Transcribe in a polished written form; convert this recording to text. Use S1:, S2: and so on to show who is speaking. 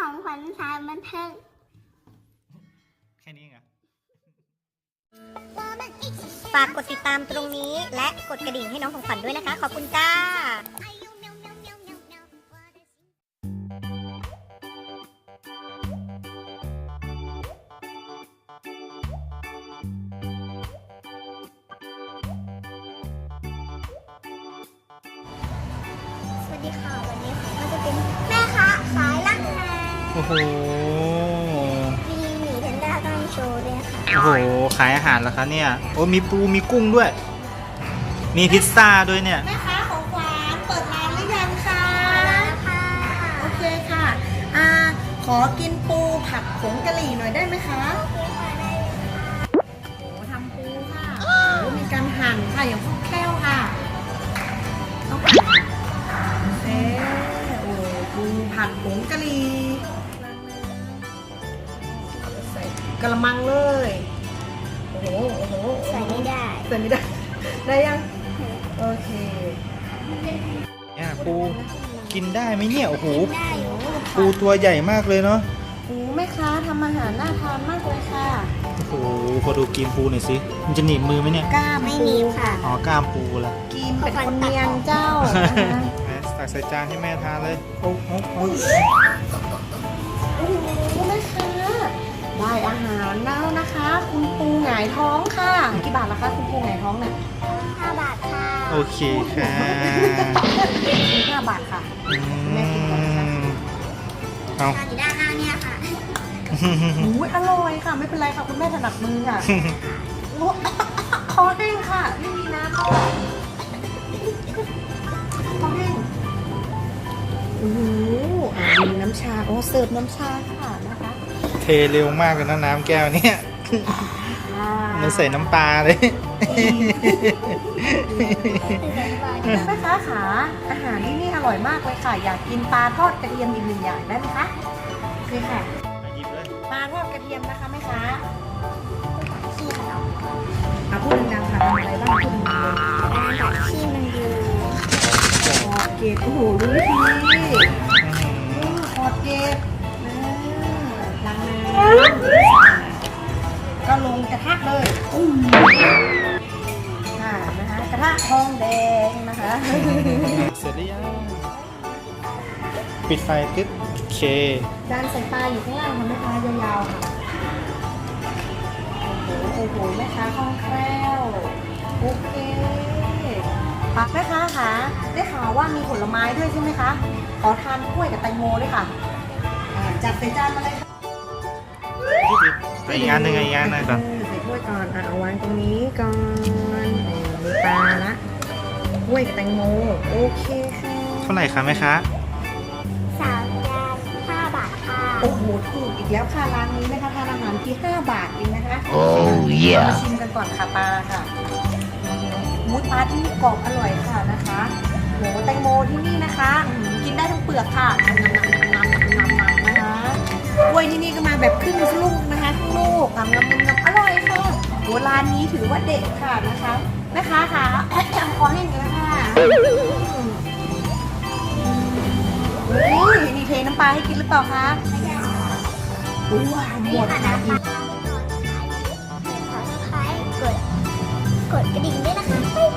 S1: ของขวัญสายบันเทิง
S2: แค่นี้ไง
S3: ฝากกดติดตามตรงนี้และกดกระดิ่งให้น้องของขวัญด้วยนะคะ ขอบคุณจ้า
S1: สวัสดีค่ะวันนี้ผมก็จะเป็นแม่ค้าขายลังนา
S2: โอ้โห
S1: มีหมีแพนด้าต้องโชว์ด้วยค่ะ
S2: โอ้โห ขายอาหารเหรอคะเนี่ย โอ้มีปูมีกุ้งด้วย มีพิซซ่าด้วยเนี่ย
S4: แม่ค้าของขวัญเปิดร้านหรือยังคะ
S1: ค่ะ
S4: โอเคค่ะขอกินปูผัดผงกะหรี่หน่อยได้ไหมคะโอ้ทำปูค่ะโอ้มีการหั่นค่ะอย่างคล่องแคล่วค่ะต้องหั่นโอ้ปูผัดผงกะหรี่ใส่กระมังเลยโอ้โหโอ้โห
S1: ใส่ไม่ได้
S4: ใส่ไม่ได้ได้ยังโอเค
S2: เนี่ยปูกินได้ไหมเนี่ย โอ้โห
S1: ได้อยู่
S2: ปูตัวใหญ่มากเลยเนาะ
S4: โอ้แม่ค้าทำอาหารน่าทานมากเลยค่ะ
S2: โอ้โห พอดูกินปูหน่อยสิ มันจะหนีบมือไหมเนี่ย
S4: กล้าม
S1: ไม่มีค่ะ
S2: อ๋อกล้ามปูละ
S4: กินเป็นคนเนียนเจ้านะคะ
S2: ตักใส่จานให้แม่ทานเลย โอ้โห
S4: โอ้โหแม่ค้าได้อาหารแล้วนะคะ คุณปูหงายท้องค่ะกี่บาทละคะคุณปูหงายท้องเนี่ย
S1: 5 บาทค่ะ
S2: โอเคค่ะ
S4: 5 บาทค่ะ
S2: อื
S4: แม่กินก่อนนะคะ
S2: มเอา
S1: ทานอยู่ด้านหน้าเนี่ยค่ะ
S4: อุ้ยอร่อยค่ะ ไม่เป็นไรค่ะคุณแม่ถนัดมือค่ะโอ้คอแห้งค่ะไม่มีน้ำด้วยคอแห้งโอ้โหมีน้ำชาโอ้เสิร์ฟน้ำชาค่ะนะคะ
S2: เทเร็วมากเลยนะน้ำแก้วเนี่ยมันใส่น้ำปลาเลย
S4: แม่ค้าขาอาหารที่นี่อร่อยมากเลยค่ะ อยากกินปลาทอดกระเทียมอีก1 อย่างได้ไหมคะโอเคค่ะ
S2: หยิบเลย
S4: ปลาทอดกระเทียมนะคะแม่ค้า
S1: ขี้มันออก
S4: พูดดังๆค่ะทำอะไรบ้างพูดดังๆเลย
S1: การตัดขี้มันอยู่
S4: ขอดเกล็ดโอ้โหรู้วิธีขอดเกล็ดล้างน้ำก็ลงกระทะเลยค่ะนะคะกระทะทองแดงนะคะ
S2: เสร็จหรือยังปิดไฟตึ๊บโอเค
S4: จานใส่ปลาอยู่ข้างล่างค่ะแม่ค้ายาวๆค่ะโอ้โหแม่ค้าคล่องแคล่วโอเคแม่ค้าคะได้ข่าวว่ามีผลไม้ด้วยใช่ไหมคะขอทานกล้วยกับแตงโมด้วยค่ะจัดใส่จานมาเลยค่ะ
S2: อีกอันหนึ่งอีกอันหนึ่งก่อน
S4: ใส่ถ้วยก่อนเอาวางตรงนี้ก่อนมีปลาละกล้วยกับแตงโมโอเคค่ะ
S2: เท่าไหร่คะแม่ค้า
S1: 3 จาน 5 บาทค่ะ
S4: โอ้โหถูกอีกแล้วค่ะร้านนี้นะคะทานอาหารที่5 บาทเองนะคะ
S2: โอ้ย
S4: มาชิมกันก่อนค่ะปลาค่ะมูสปลาที่นี่กรอบอร่อยค่ะนะคะโหแตงโมที่นี่นะคะกินได้ทั้งเปลือกค่ะนะคะกล้วยที่นี่ก็มาแบบครึ่งลูกนะคะครึ่งลูกงำอร่อยค่ะโหร้านนี้ถือว่าเด็ดค่ะนะคะแม่ค้าค่ะขอให้กันแล้วค่ะอุ้ยมีเทน้ำปลาให้กินหรือเปล่าคะว้าวหมดค่ะ
S1: ขอสไครต์กดกระดิ่งด้วยนะคะบ๊ายบาย